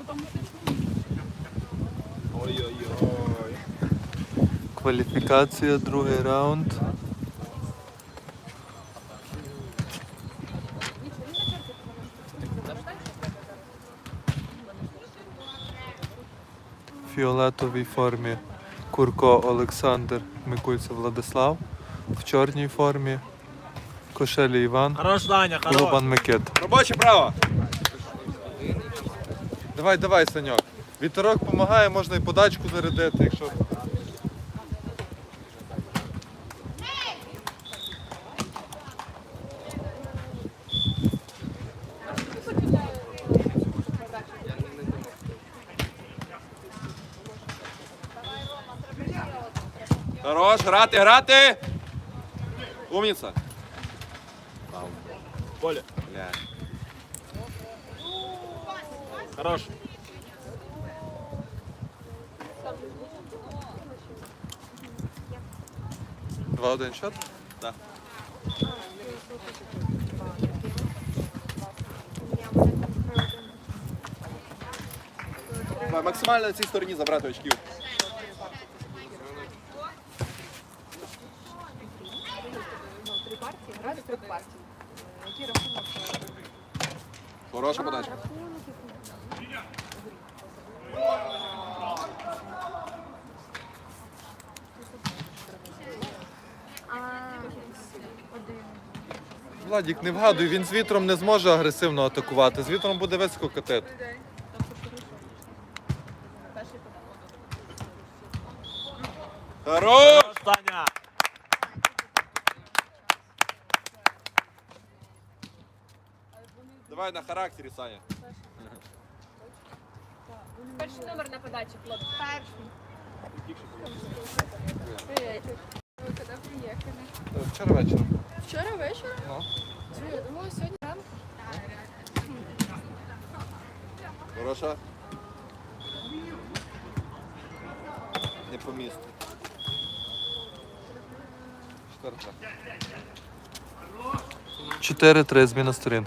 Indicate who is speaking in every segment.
Speaker 1: Ой-ой-ой.
Speaker 2: Кваліфікація, другий раунд. В фіолетовій формі Курко Олександр, Микульцев Владислав. В чорній формі Кошелі Іван,
Speaker 1: Хорош, Даня, хорош.
Speaker 2: Лубан Микита.
Speaker 1: Робоче право.
Speaker 2: Давай, давай, Саньок. Вітерок допомагає, можна і подачку зарядити, якщо...
Speaker 1: Хорош, грати, грати. Умніця. Поле. Бля. Хорош.
Speaker 2: 2-1 счет?
Speaker 1: Да. Максимально на цій стороні забрати очків. Хороша подача.
Speaker 2: Владік, не вгадуй, він з вітром не зможе агресивно атакувати. З вітром буде високо катити.
Speaker 1: Хорош! Таня! Давай на характері, Саня.
Speaker 3: Перший номер на подачі, хлопці. Перший. Ви коли приїхали?
Speaker 2: Вчора вечором.
Speaker 3: Вчора вечором?
Speaker 2: Ну.
Speaker 3: Я думала, сьогодні ранку.
Speaker 1: Хороша. Не по місту.
Speaker 2: Четверта. 4-3, зміна сторін.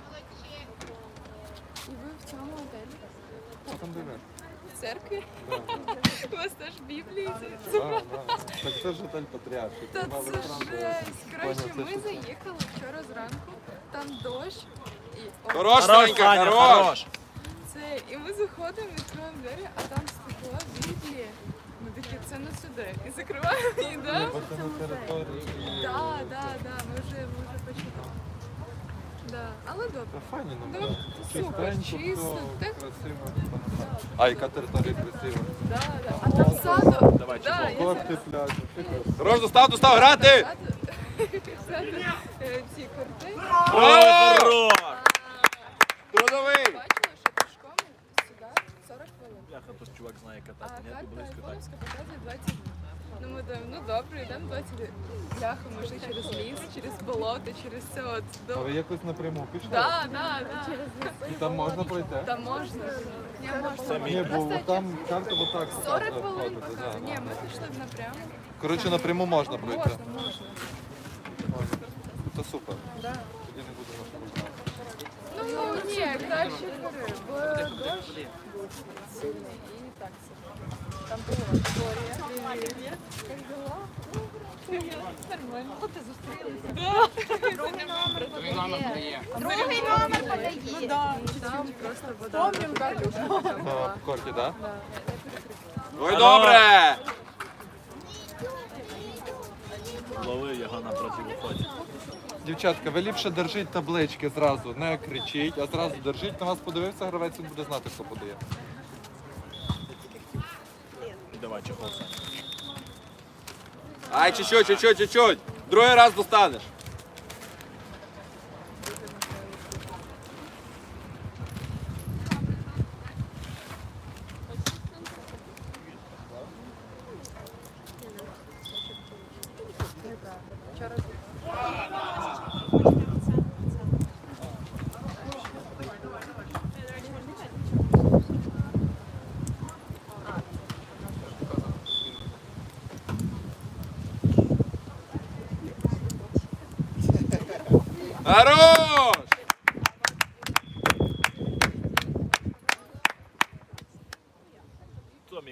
Speaker 3: І ви в цьому готелі?
Speaker 2: Що там диви?
Speaker 3: В церкві? У вас теж Біблії?
Speaker 2: Так це ж готель Патріарший.
Speaker 3: Та це жесть. Коротше, ми заїхали вчора зранку, там дощ. І
Speaker 1: Хорош, Санька, хорош!
Speaker 3: це, і ми заходимо, відкриваємо двері, а там стекла Біблії. Ми такі, це не сюди. І закриваємо її, да? Да, ми вже почитали. Да. Але добре.
Speaker 2: Файні
Speaker 3: Добре, супер, чисто. Так,
Speaker 2: А яка територія красива.
Speaker 3: да. А там саду.
Speaker 1: Давай,
Speaker 3: Да, я
Speaker 2: Корти, пляжі.
Speaker 1: Хорош, достав, грати!
Speaker 3: саду, ці корти.
Speaker 1: Хорош! Трудовий!
Speaker 3: Бачила, що пішком сюди 40 хвилин.
Speaker 4: Бляха, то ж чувак знає
Speaker 3: А
Speaker 4: катати, ні,
Speaker 3: карта
Speaker 4: тут близько так.
Speaker 3: Айфоновська показує 20 днів. Ну ми думаємо, ну добре, йдемо 20 днів. Бляха, може через ліс, через болото, через це от.
Speaker 2: А ви якось напряму пішли?
Speaker 3: Да.
Speaker 2: І там можна пройти?
Speaker 3: Там можна. Ні, можна.
Speaker 4: Самі.
Speaker 2: Ні, бо там карта отак
Speaker 3: 40 хвилин
Speaker 2: ходити.
Speaker 3: показує. Ні, ми пішли б напряму.
Speaker 2: Коротше, напряму можна пройти.
Speaker 3: Можна.
Speaker 2: То супер.
Speaker 3: Да.
Speaker 2: Тоді не будемо шкодувати.
Speaker 3: Ну ні, краще бери, бо дощ був сильний і так собі. Там була Вікторія. Привіт. Як дела? Нормально. О, ти зустрілися.
Speaker 5: Другий номер подає.
Speaker 3: Ну да, там просто вода. Помним, Катюша.
Speaker 2: По корті, так?
Speaker 1: Ой, добре!
Speaker 4: Лови його на противоході.
Speaker 2: Дівчатка, ви ліпше держіть таблички зразу, не кричіть, а зразу держіть. На вас подивився гравець, він буде знати, хто подає.
Speaker 4: Давай, чехол, Саня.
Speaker 1: Ай, чуть-чуть. Другий раз достанеш. Хорош!